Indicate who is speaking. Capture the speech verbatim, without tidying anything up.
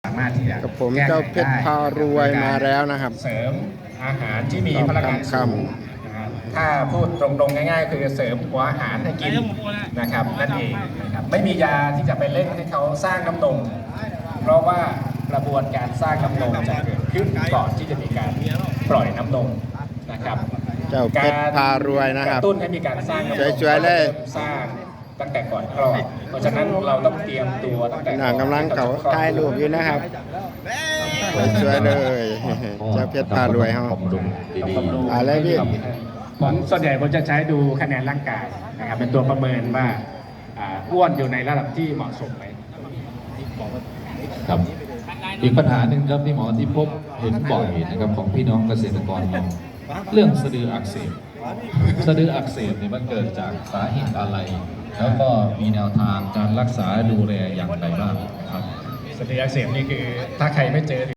Speaker 1: ามารถที่จะ
Speaker 2: กับผมเจ้าเพชรพารวยมาแล้วนะครับ
Speaker 1: เสริมอาหารที่มีพลังงานสูงถ้าพูดตรงๆง่ายๆคือเสริมหัวอาหารให้กินนะครับนั่นเองนะครับไม่มียาที่จะไปเร่งให้เขาสร้างน้ำนมเพราะว่ากระบวนการสร้างน้ำนมจะเกิดขึ้นก่อนที่จะมีการปล่อยน้ำนมนะครับ
Speaker 2: เจ้าเพชรพารวยนะครับ
Speaker 1: กระตุ้นให้มีการสร้างน้ำนม
Speaker 2: สวยๆเลย
Speaker 1: สร้างตั้งแต่ก่อนคลอดเพราะฉะนั้นเราต้องเตรียมตัวตั้งแต่
Speaker 2: หนังกำลังเขาถ่ายรูปอยู่นะครับสวยๆเลยเจ้าเพชรพารวยครับอะไรพี่
Speaker 1: ผมส่วนใหญ่ผมจะใช้ดูคะแนนร่างกายนะครับเป็นตัวประเมินว่าอ้วนอยู่ในระดับที่เหมาะสมไหม
Speaker 3: ครับอีกปัญหาหนึ่งครับที่หมอที่พบเห็นบ่อยนะครับของพี่น้องเกษตรกรเราเรื่องสะดืออักเสบสะดืออักเสบเนี่ยมันเกิดจากสาเหตุอะไรแล้วก็มีแนวทางการรักษาดูแลอย่างไรบ้างครับ
Speaker 1: สะดืออักเสบนี่คือถ้าใครไม่เจอ